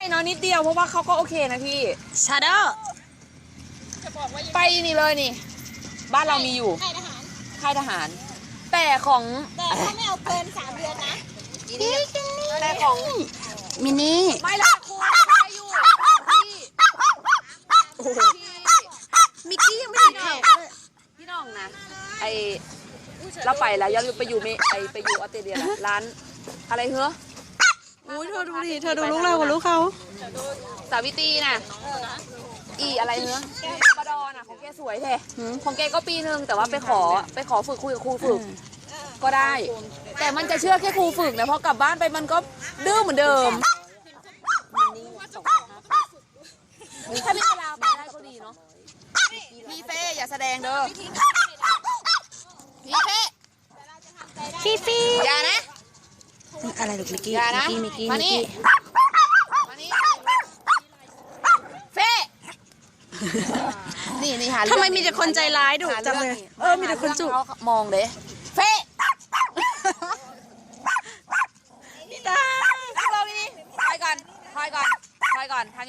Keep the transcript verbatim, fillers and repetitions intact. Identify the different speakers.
Speaker 1: น้อยนิดเดียวเพราะว่าเขาก็โอเคนะพี่
Speaker 2: ชาโด
Speaker 1: ไปนี่เลยนี่บ้านเรามีอยู่
Speaker 3: ค่ายทหาร
Speaker 1: ค่ายทหาร แต่ของ
Speaker 3: แต่ถ้าไม่เอาเกินสามเดือนนะ
Speaker 1: แต่ของ
Speaker 2: มินี่
Speaker 1: ไม่ละคุณได้อยู่พี่
Speaker 2: มิกกี้ยังไม่ถึงแขกเลย
Speaker 1: พี่น้องนะไอเราไปแล้วย้อนไปอยู่เมไอไปอยู่ออสเตรเลียแล้วร้านอะไรเหรอ
Speaker 2: อุ้ยเธอดูดิเธอดูลูกเรากับลูกเขา
Speaker 1: สาวิตรีน่ะอีอะไรเนื้อบดอน่ะของแกสวยแท้ของแกก็ปีนึงแต่ว่าไปขอไปขอฝึกคุยกับครูฝึกก็ได้ แต่มันจะเชื่อแค่ครูฝึกนะเพราะกลับบ้านไปมันก็ดื้อเหมือนเดิมถ้ามีเวลาไปได้ก็ดีเนาะพี่เฟ่อย่าแสดงเด้อพี่เฟ่
Speaker 2: ฟีฟี
Speaker 1: อย่านะ
Speaker 2: อะไรลูกมิกกี้
Speaker 1: อย่านะ
Speaker 2: มิกกี้
Speaker 1: มา
Speaker 2: มิก
Speaker 1: นี่
Speaker 2: กี้
Speaker 1: มานี่เฟ่นี่นี่หาเรื่อง
Speaker 2: ทำไมมีแต่คนใจร้ายดุจังเลย เออมีแต่คนจุ
Speaker 1: เขามองเด้เฟ่พี่ตานั่งลงนี่ถอยก่อนถอยก่อนถอยก่อน